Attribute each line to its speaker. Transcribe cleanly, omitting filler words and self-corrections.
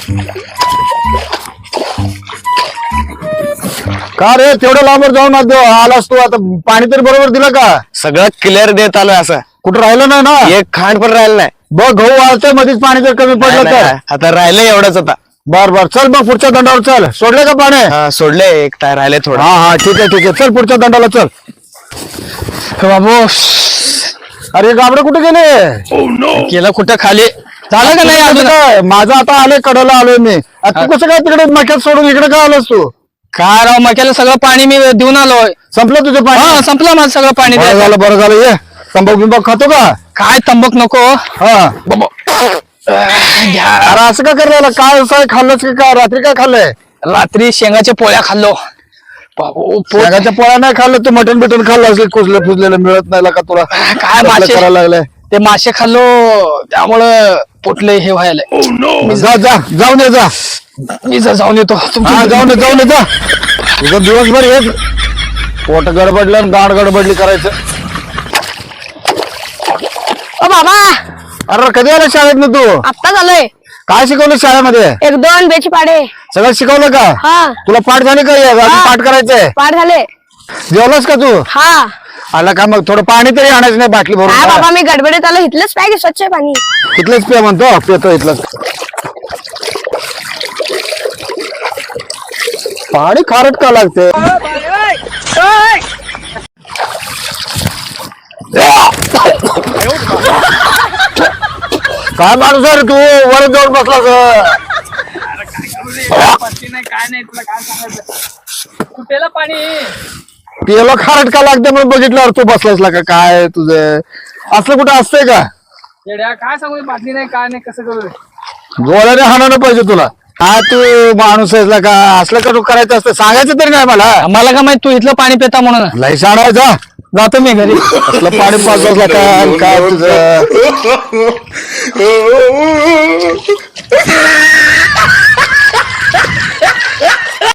Speaker 1: का रे तेवढं लांबर जाऊन आलास तू आता पाणी तरी बरोबर दिलं का?
Speaker 2: सगळं क्लिअर देत आलोय असं.
Speaker 1: कुठं राहिलं नाही ना?
Speaker 2: एक खांड पण राहिलं नाही.
Speaker 1: बघ गहू वाळतोय मध्येच पाणी जर कमी पडलं
Speaker 2: नाही,
Speaker 1: तर.
Speaker 2: नाही, आता राहिलंय एवढंच आता.
Speaker 1: बर बर चल मग पुढच्या दंडावर चल. सोडले का पाणी?
Speaker 2: हा, सोडलंय एक टायर राहिले थोडं.
Speaker 1: हा हा ठीक आहे चल पुढच्या दंडाला चल.
Speaker 2: बाबू
Speaker 1: अरे गाबडे कुठे गेले?
Speaker 2: केलं कुठं खाली झालं का नाही अजून?
Speaker 1: काय माझं आता आलोय कडला आलोय मी. आता तू कसं काय तिकडे मक्यात सोडून इकडे काय आलोस तू?
Speaker 2: काय राव, मक्याला सगळं पाणी मी देऊन आलोय.
Speaker 1: संपलं तुझं पाणी?
Speaker 2: हा, संपलं माझं सगळं पाणी
Speaker 1: बरं
Speaker 2: द्यायचं.
Speaker 1: झालं ये तंबाखू बिंबाखू खातो का?
Speaker 2: काय तंबाखू नको.
Speaker 1: हा अरे असं का करायला? काय असं खाल्लंच की काय? रात्री काय खाल्लंय?
Speaker 2: रात्री शेंगाच्या पोळ्या खाल्लो. बाबू, पोट-
Speaker 1: शेंगाच्या पोळ्या नाही खाल्लं तू? मटण बिटन खाल्लं असेल कुजलं फुजलेलं मिळत नाही का तुला?
Speaker 2: काय
Speaker 1: कसलं
Speaker 2: मासे
Speaker 1: करायला लागलंय?
Speaker 2: ते मासे खाल्लो त्यामुळं पोटले हे व्हायला.
Speaker 1: जाऊन ये जा.
Speaker 2: मी जर जाऊन येतो
Speaker 1: हा जाऊन ये जा. तुझं दिवसभर हेच पोट गडबडलं आणि गाड गडबडली करायचं.
Speaker 3: ओ बाबा,
Speaker 1: अरे कधी आला शाळेत ना तू?
Speaker 3: आत्ता झालंय.
Speaker 1: काय शिकवलं शाळेमध्ये?
Speaker 3: 1-2 बेची पाडे.
Speaker 1: सगळं शिकवलं का?
Speaker 3: हा,
Speaker 1: तुला पाठ झाले का? अजून
Speaker 3: हा.
Speaker 1: पाठ करायचंय.
Speaker 3: पाठ झाले.
Speaker 1: जेवलास का तू?
Speaker 3: हा.
Speaker 1: आला का? मग थोडं पाणी तरी आणायचं नाही बाटली
Speaker 3: हा
Speaker 1: भरून?
Speaker 3: बाबा, मी गडबडीत आलो. इथलंच पाहिजे स्वच्छ आहे पाणी.
Speaker 1: इथलंच पे म्हणतो. पेतो इथलंच. पाणी खारट का लागते? काय माणूस आहे रे तू? वर जाऊन बसला
Speaker 2: काय नाही तुला काय सांगायचं. कुठेला पाणी
Speaker 1: पियाला खारट का लागते म्हणून बघितल्यावर तू बसलास का? काय तुझं असलं कुठं असतंय का?
Speaker 2: येड्या, काय सांगू, बाटली नाही काय नाही कसं करू.
Speaker 1: गोळ्याने हाणायला पाहिजे तुला. काय तू माणूस आहेस का? असलं का तू करायचं असतं? सांगायचं तरी नाही
Speaker 2: मला का माहित तू इथलं पाणी पिता म्हणून.
Speaker 1: लय सांगायचा.
Speaker 2: जातो मी घरी.
Speaker 1: असलं पाणी पाच बसला काय तुझं?